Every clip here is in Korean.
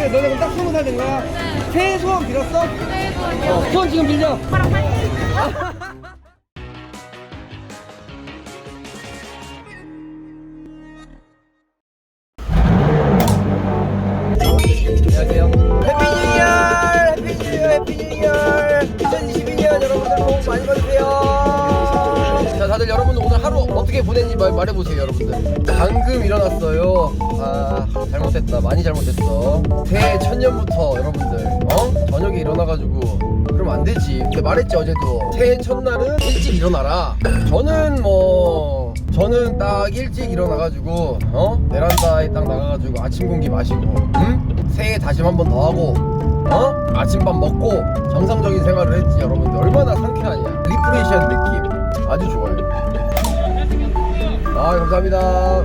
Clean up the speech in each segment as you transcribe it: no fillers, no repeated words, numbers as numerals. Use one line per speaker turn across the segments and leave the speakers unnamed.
너네 그럼 딱 20살 된 거야?
네.
새해 소원 빌었어?
새해 소원이요.
소원 지금 빌려.
오빠랑 파이팅.
안녕하세요. 해피 뉴 이어! 해피 뉴 이어! 해피 뉴 이어! 2022년 여러분들 복 많이 받으세요. 자, 다들 여러분들 오늘 하루 어떻게 보냈는지 말해보세요, 여러분들. 방금 일어났어요. 아, 잘못했다. 많이 잘못했어. 새해 첫년부터 여러분들, 저녁에 일어나가지고 그러면 안 되지. 근데 말했지, 어제도. 새해 첫날은 일찍 일어나라. 저는 딱 일찍 일어나가지고 베란다에 딱 나가가지고 아침 공기 마시고 새해 다짐 한 번 더 하고 아침밥 먹고 정상적인 생활을 했지. 여러분들 얼마나 상쾌하냐. 리프레시한 느낌 아주 좋아요. 아, 감사합니다.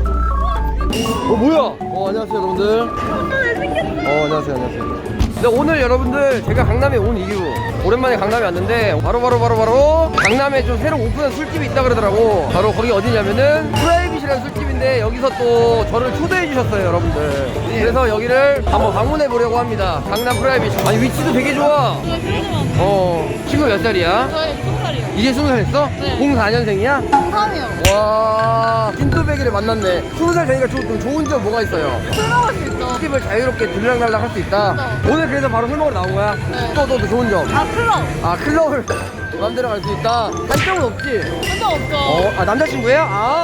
뭐야? 안녕하세요 여러분들. 안녕하세요. 근데 오늘 여러분들 제가 강남에 온 이유, 오랜만에 강남에 왔는데 바로 강남에 좀 새로 오픈한 술집이 있다 그러더라고. 바로 거기 어디냐면은 프라이빗이라는 술집인데 여기서 또 저를 초대해 주셨어요, 여러분들. 그래서 여기를 한번 방문해 보려고 합니다. 강남 프라이빗. 아니, 위치도 되게 좋아. 친구 몇 살이야?
저희 20살이요.
이제 20살 됐어?
네.
04년생이야?
3이요.
와, 찐또배기를 만났네. 20살 되니까 좀 좋은 점 뭐가 있어요?
술 먹을 수 있어.
술집을 자유롭게 들락날락 할 수 있다. 오늘 그래서 바로 술 먹으러 나온 거야?
네.
또 좋은 점.
클럽.
아, 클럽을 마음대로 갈 수 있다. 단점은 없지?
혼자 없죠.
남자친구야?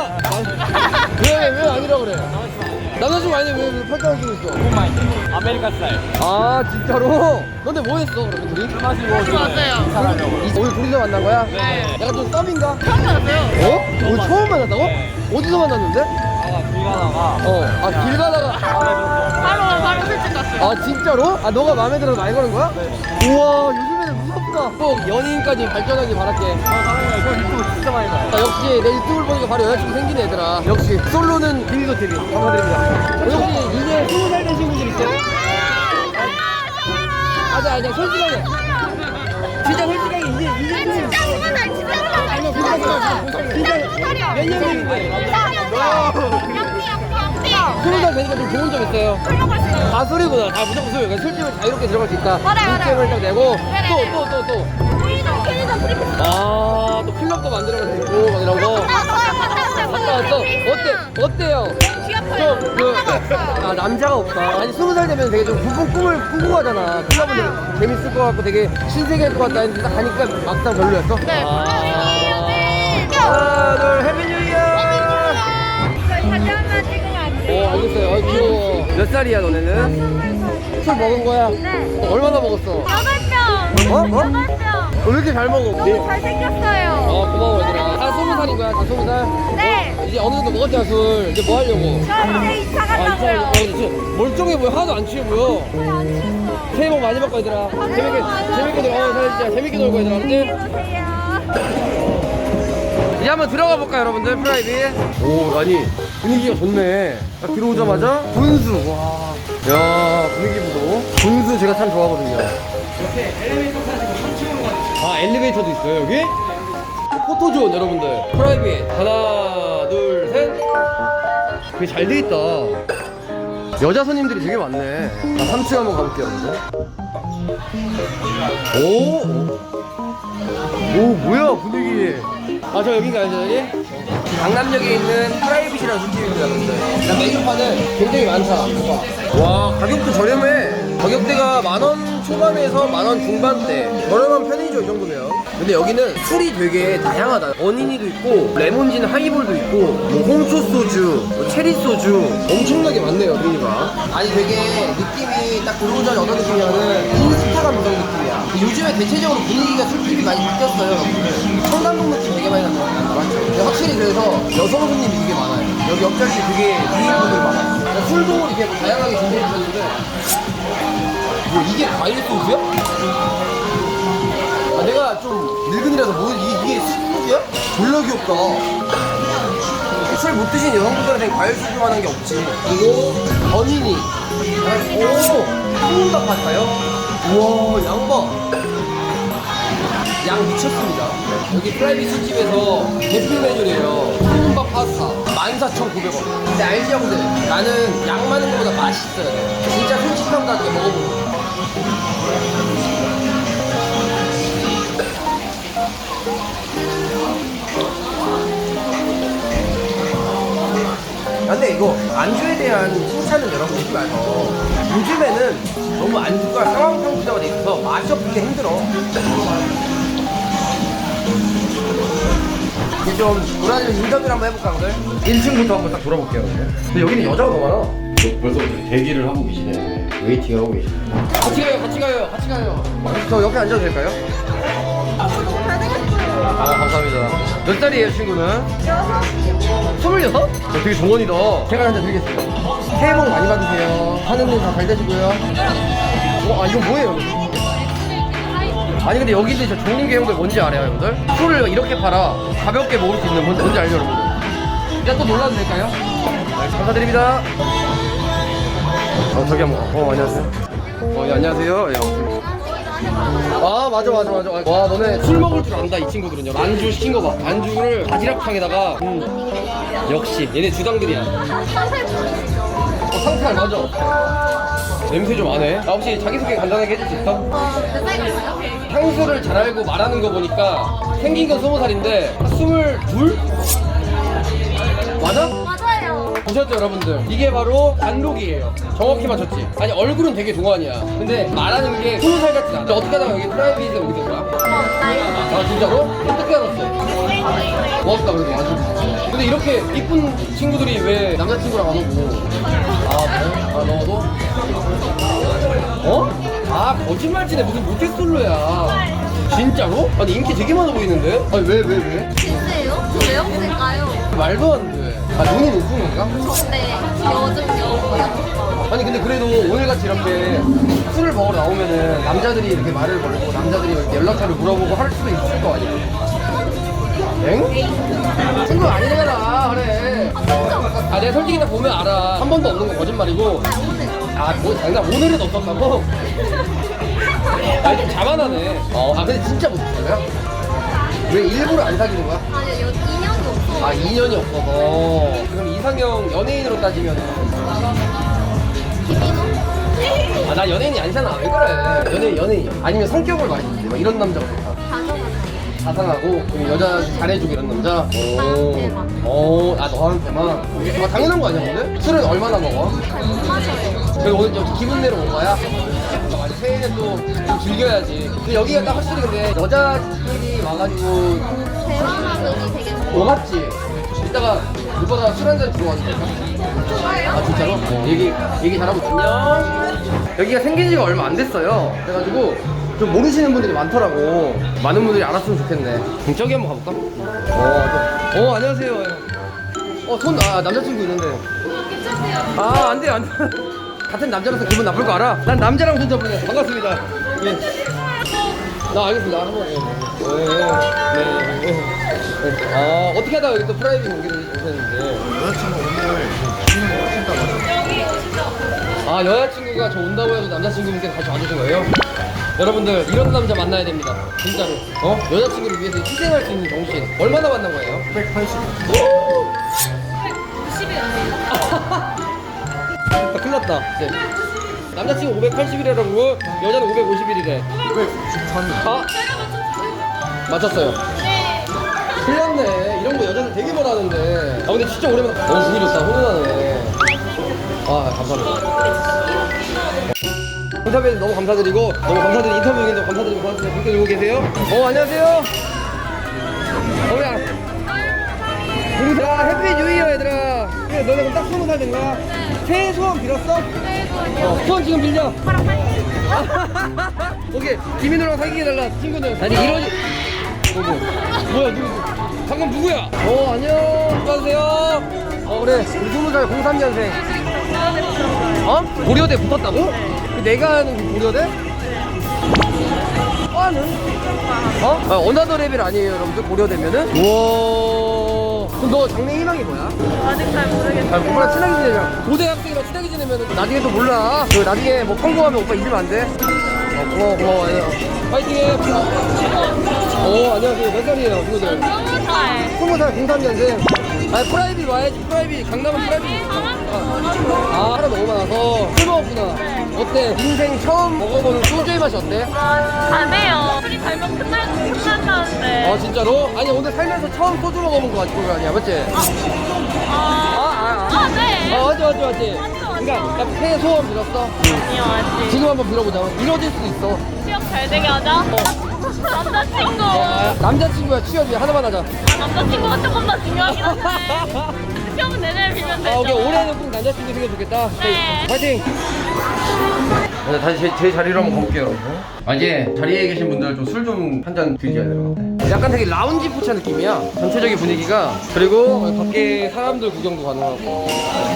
왜 아니라 그래? 남자친구 아닌데 왜 팔짱을 끼고 있어?
아메리칸 스타일.
아, 진짜로? 근데 뭐 했어, 그러면 둘이?
술 마시고
같이 왔어요.
오늘 둘이서 만난 거야?
네.
약간 좀 썸인가?
처음 만났어요.
오늘 처음 만났다고?
네.
어디서 만났는데?
길 가다가
길 가다가.
바로 술집 갔어요.
아, 진짜로? 아, 너가 마음에 들어서 말 거는 거야? 우와, 요즘에는 무섭다. 꼭 연인까지 발전하길 바랄게.
저 유튜브 진짜 많이 봐요.
역시 내 유튜브를 보니까 바로 여자친구 생긴 애들아. 역시 솔로는 비밀도 TV 감사드립니다. 혹시 이제 20살 되신 분들 있어요? 아니야, 솔직하게. 진짜 솔직하게 이제 몇 년생인데? 20살 되니까 좀 좋은 점 있어요. 가술이구나. 무조건 술. 그러니까 술집을 자유롭게 들어갈 수 있다.
맞아요.
인gem을 딱 내고 또. 또 클럽도 만들어갈 수 있고 막 이런 거. 갔다 왔어. 어때요? 남자가 없다. 아니, 20살 되면 되게 좀 꿈을 꾸고 가잖아. 클럽은 되게 재밌을 것 같고 되게 신세계일 것 같다 했는데 딱 가니까 막상 별로였어?
네.
하나, 둘, 해피 뉴 이어! 알겠어요. 귀여워. 몇 살이야, 너네는? 술 먹은 거야?
네.
얼마나 먹었어?
8병.
왜 이렇게 잘 먹어?
너무 잘생겼어요.
고마워, 얘들아. 다 20살인 거야? 다 20살?
네.
이제 어느 정도 먹었잖아, 술. 이제 뭐 하려고?
저 이제 2차 가려고요.
멀쩡해 보여. 하나도 안 취해 보여.
저희 안 취했어요.
새해 복 많이 받고, 얘들아. 재밌게 놀고, 재밌게 놀고, 얘들아. 알았지?
안녕하세요.
이제 한번 들어가 볼까요, 여러분들? 프라이빗. 오, 아니 분위기가 좋네. 딱 들어오자마자 분수. 와, 야, 분위기 보소. 분수 제가 참 좋아하거든요. 이렇게 엘리베이터 타시고 3층으로 가죠. 아, 엘리베이터도 있어요, 여기? 포토존, 여러분들. 프라이빗. 하나, 둘, 셋. 되게 잘 돼 있다. 여자 손님들이 되게 많네. 3층 한번 가볼게요, 여러분들. 오, 뭐야, 분위기. 저 여긴가요, 저기? 강남역에 있는 프라이빗이라는 술집입니다, 여러분들. 메뉴판은 굉장히 많다. 와, 가격도 저렴해. 가격대가 10,000원 초반에서 10,000원 중반대. 저렴한 편이죠, 이 정도면. 근데 여기는 술이 되게 다양하다. 어니니도 있고, 레몬진 하이볼도 있고, 홍초 소주, 체리 소주. 엄청나게 많네요, 메뉴가. 아니, 되게 느낌이 딱 들어오자마자 어떤 느낌이냐면, 인스타 감성 느낌이야. 요즘에 대체적으로 분위기가 술집이 많이 바뀌었어요, 여러분들. 청담동 느낌 되게 많이 난다. 맞죠? 근데 확실히 그래서 여성 손님이 되게 많아요. 여기 옆자리 되게 미인분들 많아요. 술도 이렇게 다양하게 준비해 주셨는데, 이게 과일 소주야? 내가 좀 늙은이라서 이게 술이야? 졸라 귀엽다. 술 못 드신 여성분들한테 과일 소주만한 게 없지. 그리고 버니니. 볶음밥 같아요? 우와, 양봐. 양 미쳤습니다. 여기 프라이빗 술집에서 대표 메뉴래요. 볶음밥 파스타 14,900원. 근데 알지 형들? 나는 양 많은 것보다 맛있어야 돼. 진짜 솔직평가하게 먹어보고. 근데 이거 안주에 대한 칭찬은 여러분 잊지 마서 요즘에는 너무 안주가 상황상 부자가 돼 있어서 맛이 없기 힘들어. 이제 좀 돌아다니면서 인터뷰를 한번 해볼까 형들? 1층부터 한번 딱 돌아볼게요. 근데 여기는 여자가 너무 많아.
벌써부터 대기를 하고 계시네. 웨이팅을 하고 계시네.
같이 가요. 저 옆에 앉아도 될까요? 아 감사합니다. 몇 살이에요 친구는? 26? 되게 동원이다. 제가 한잔 드리겠습니다. 새해 복 많이 받으세요. 하는 일 다 잘 되시고요. 아 이건 뭐예요? 아니 근데 여기도 진짜 좋은 게 형들 뭔지 알아요 형들? 술을 이렇게 팔아 가볍게 먹을 수 있는 뭔지 알죠 여러분들? 일단 또 놀라도 될까요? 네, 감사드립니다. 저기 한번 안녕하세요. 예, 안녕하세요. 예. 아 맞아. 와 너네 술 먹을 줄 안다 이 친구들은요. 안주 시킨 거 봐. 안주를 바지락탕에다가 역시 얘네 주당들이야. 상탈 맞아. 냄새 좀 안 해. 나 혹시 자기소개 간단하게 해줄 수 있어?
몇 살 같아요?
향수를 잘 알고 말하는 거 보니까 생긴 건 20살인데 22? 맞아?
맞아요.
보셨죠 여러분들? 이게 바로 단독이에요. 정확히 맞췄지? 아니 얼굴은 되게 동안이야. 근데 말하는 게 20살 같지 않아. 어떻게 하다가 여기 프라이빗에 오게 된 거야? 아 진짜로? 어떻게 알았어? 고맙다 그래도 완전. 근데 이렇게 이쁜 친구들이 왜 남자친구랑 안 오고? 아 너도? 어? 아 거짓말치네. 무슨 모태솔로야. 진짜로? 아니 인기 되게 많아 보이는데? 아니 왜?
진짜요? 저 왜 없을까요?
말도 안 돼. 아 눈이 높은 건가?
네, 요즘 여고요.
아니 근데 그래도 오늘같이 이렇게 술을 먹으러 나오면은 남자들이 이렇게 말을 걸고 남자들이 이렇게 연락처를 물어보고 할 수도 있을 거 아니야? 엥? 친구 아니잖아 그래. 아 내가 솔직히 딱 보면 알아. 한 번도 없는 거 거짓말이고.
오늘.
뭐 장난 오늘은 없었다고? 아니 좀 자만하네. 아 근데 진짜 못했어요? 왜 일부러 안 사귀는 거야?
아니요, 2년이 없어요.
아 2년이 없어서. 그럼 이상형 연예인으로 따지면
김인호?
아 나 연예인이 아니잖아. 왜 그래? 연예인이야. 아니면 성격을 많이 주지. 막 이런 남자가 좋다. 자상하고 좀 여자 잘해주고 이런 남자.
나한테만.
아 너한테만. 아 당연한 거 아니야 근데? 술은 얼마나 먹어?
못 마셔요.
그래서 오늘 좀 기분 내러 온 거야? 맞아 새해는 또 좀 즐겨야지. 근데 여기가 딱 확실히 근데 여자끼리 와가지고
대화하기 되게
고맙지. 이따가 오빠가 술 한잔 들어와도 될까?
좋아요.
아 진짜로? 얘기 잘하고 안녕. 여기가 생긴 지가 얼마 안 됐어요. 그래가지고 좀 모르시는 분들이 많더라고. 많은 분들이 알았으면 좋겠네. 저기 한번 가볼까? 안녕하세요. 남자친구 있는데. 아 안 돼요. 같은 남자라서 기분 나쁠 거 알아? 난 남자랑 손 잡으냐. 반갑습니다. 예. 나 알겠습니다. 한번 아 어떻게 하다가 여기 또 프라이빗 오기를 오셨는데.
여자친구 오늘 오신다고.
아 여자친구가 저 온다고 해서 남자친구분께 같이 와주신 거예요? 여러분들 이런 남자 만나야 됩니다 진짜로. 여자친구를 위해서 희생할 수 있는 정신. 얼마나 만난 거예요?
180.
큰일 났다. 네. 남자친구 580이라고 여자는 551이래
593.
아 맞췄어요. 틀렸네. 이런 거 여자들 되게 뭐라 하는데. 아 근데 진짜 오랜만에 너무 분위기 좋다. 훈훈하네. 아 감사합니다. 인터뷰에서 너무 감사드리고 너무 감사드리고 인터뷰 중에도 감사드리고 고맙습니다. 댓글 보고 계세요? 안녕하세요. 야 해피 뉴 이어 얘들아. 그래 너네 그럼 딱 20살 된 거야? 새해 소원 빌었어? 소원 지금 빌려. 오케이 김인호랑 사귀게 해달라 친구는. 아니 이러지. 뭐야 누구? 방금 누구야? 안녕. 안녕하세요. 그래 우리 20살 03년생. 고려대 붙었다고? 내가 아는 그 고려대? 과는? 어나더 레벨 아니에요 여러분들 고려대면은? 우와. 그럼 너 장래 희망이 뭐야?
아직 잘 모르겠어요.
오빠랑 친하게 지내자. 고대학생이랑 친하게 지내면 나중에 또 몰라. 그 나중에 뭐 성공하면 오빠 잊으면 안 돼? 고마워. 파이팅 해. 안녕하세요. 몇 살이에요 친구들?
20살.
20살 03년생. 아니 프라이빗 와야지. 프라이빗 강남은 프라이빗. 아 하나 너무 많아서 술 먹었구나. 어때? 인생 처음 먹어보는 소주의 맛이 어때?
안 해요. 술이 달면 끝난다는데.
아 진짜로? 아니 오늘 살면서 처음 소주 먹어본 거 같은 거 아니야, 맞지?
네.
맞지.
맞죠.
그러니까 나 새해 소원 빌었어.
아니요, 아직.
지금 한번 빌어보자. 이뤄질 수도 있어.
취업 잘 되게 하자. 남자친구.
남자친구야 취업이야 하나만 하자.
남자친구가 조금 더 중요하긴 한데. 취업은 내내 빌면 되죠.
아 오케이 올해는 꼭 남자친구 생겨 좋겠다.
네.
파이팅. 다시 제 자리로 한번 가볼게요. 이제 자리에 계신 분들 좀 술 좀 한 잔 드셔야 될 것 같아. 약간 되게 라운지 포차 느낌이야. 전체적인 분위기가. 그리고 밖에 사람들 구경도 가능하고.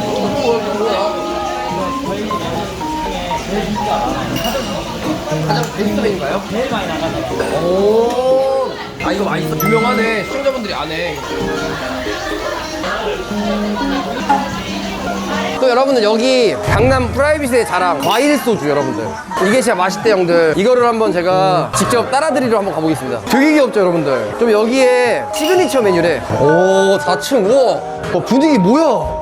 가장 베스트인가요?
제일 많이 나가잖아.
오. 아 이거 맛있어. 유명하네. 시청자분들이 안 해. 또 여러분들 여기 강남 프라이빗의 자랑 과일 소주 여러분들 이게 진짜 맛있대 형들. 이거를 한번 제가 직접 따라드리러 한번 가보겠습니다. 되게 귀엽죠 여러분들. 좀 여기에 시그니처 메뉴래. 오 4층 우와 분위기 뭐야.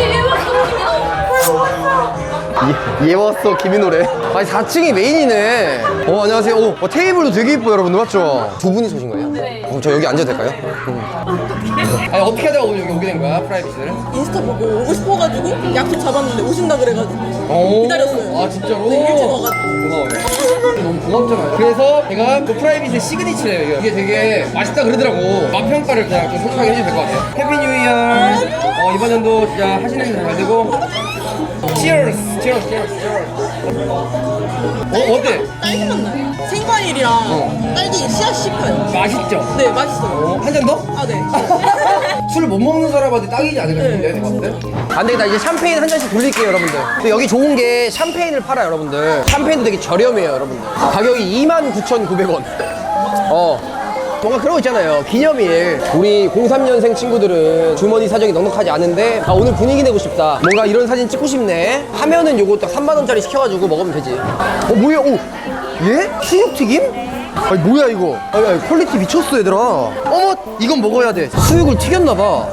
얘 왔어 김인호래. 아니 4층이 메인이네. 안녕하세요. 테이블도 되게 이뻐요 여러분들 맞죠? 두 분이 서신 거예요? 네. 저 여기 앉아도 될까요? 아니 어떻게 하다가 오늘 여기 오게 된 거야 프라이빗을?
인스타 보고 오고 싶어가지고 약속 잡았는데 오신다 그래가지고 기다렸어요.
아 진짜로?
네, 일찍 와가지고.
고마워요. 너무 고맙잖아요. 그래서 제가 그 프라이빗의 시그니처예요. 이게 되게 맛있다 그러더라고. 맛 평가를 그냥 좀 솔직하게 해주면 될 것 같아요. 해피 뉴 이어. 이번 연도 진짜 하시는 일 잘 되고. Cheers. 어때?
딸기 맛 나요. 생과일이랑 딸기 씨앗 씹혀요.
맛있죠?
네, 맛있어요.
한 잔 더?
아, 네.
술 못 먹는 사람한테 딱이지 않을까 싶은데 내가 봤을 때. 안 되겠다. 이제 샴페인 한 잔씩 돌릴게요 여러분들. 근데 여기 좋은 게 샴페인을 팔아요 여러분들. 샴페인도 되게 저렴해요 여러분들. 가격이 29,900원. 뭔가 그런 거 있잖아요. 기념일. 우리 03년생 친구들은 주머니 사정이 넉넉하지 않은데 오늘 분위기 내고 싶다. 뭔가 이런 사진 찍고 싶네. 하면은 요거 딱 3만원짜리 시켜가지고 먹으면 되지. 뭐야? 얘? 수육튀김? 아니 뭐야 이거. 아니, 퀄리티 미쳤어 얘들아. 어머 이건 먹어야 돼. 수육을 튀겼나봐.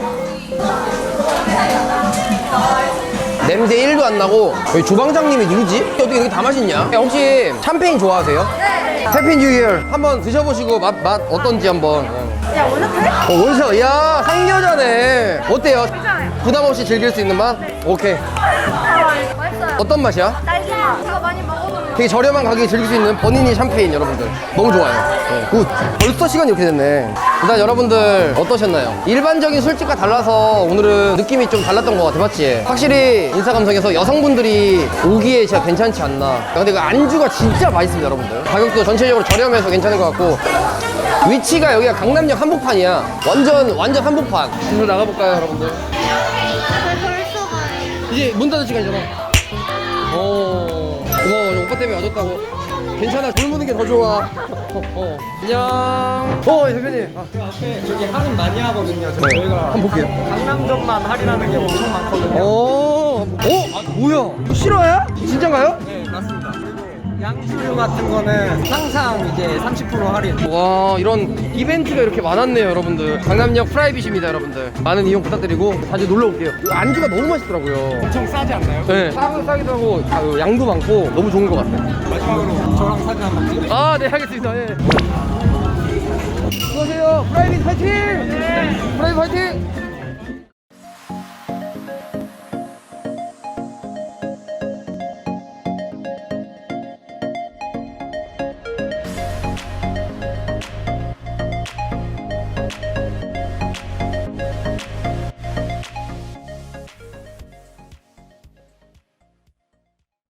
냄새 1도 안 나고. 여기 주방장님이 누구지? 어떻게 이렇게 다 맛있냐? 혹시 샴페인 좋아하세요? 네. 해피 뉴 이어 한번 드셔보시고 맛 어떤지 한번.
야, 원래
원샷. 야 상여자네. 어때요?
괜찮아요.
부담 없이 즐길 수 있는 맛? 오케이.
맛있어요.
어떤 맛이야?
딸기 맛. 제가 많이 먹어보면.
되게 저렴한 가격에 즐길 수 있는 버니니 샴페인 여러분들 너무 좋아요. 굿. 벌써 시간이 이렇게 됐네. 일단 여러분들 어떠셨나요? 일반적인 술집과 달라서 오늘은 느낌이 좀 달랐던 것 같아. 맞지? 확실히 인사감성에서 여성분들이 오기에 진짜 괜찮지 않나. 근데 그 안주가 진짜 맛있습니다 여러분들. 가격도 전체적으로 저렴해서 괜찮은 것 같고 위치가 여기가 강남역 한복판이야. 완전 한복판. 오늘 나가볼까요 여러분들?
벌써 가요.
이제 문 닫을 시간이잖아. 고마워. 오빠 때문에 와줬다고. 괜찮아. 젊은 게 더 좋아. 안녕. 대표님.
그 앞에 저기 할인 많이 하거든요. 저희가
한번 볼게요.
강남점만 할인하는 게 엄청 많거든요.
뭐야? 이거 실화야? 진짠가요?
네, 맞습니다. 그리고 양수류 같은 거는 항상 이제 30% 할인.
와, 이런 이벤트가 이렇게 많았네요, 여러분들. 강남역 프라이빗입니다, 여러분들. 많은 이용 부탁드리고 자주 놀러 올게요. 안주가 너무 맛있더라고요.
엄청 싸지 않나요?
네. 싸기도 하고 양도 많고 너무 좋은 것 같아요.
마지막으로 저랑 사진 한번 찍으세요.
네, 알겠습니다. 예. 수고하세요. 프라이빗 파이팅! 프라이빗 파이팅!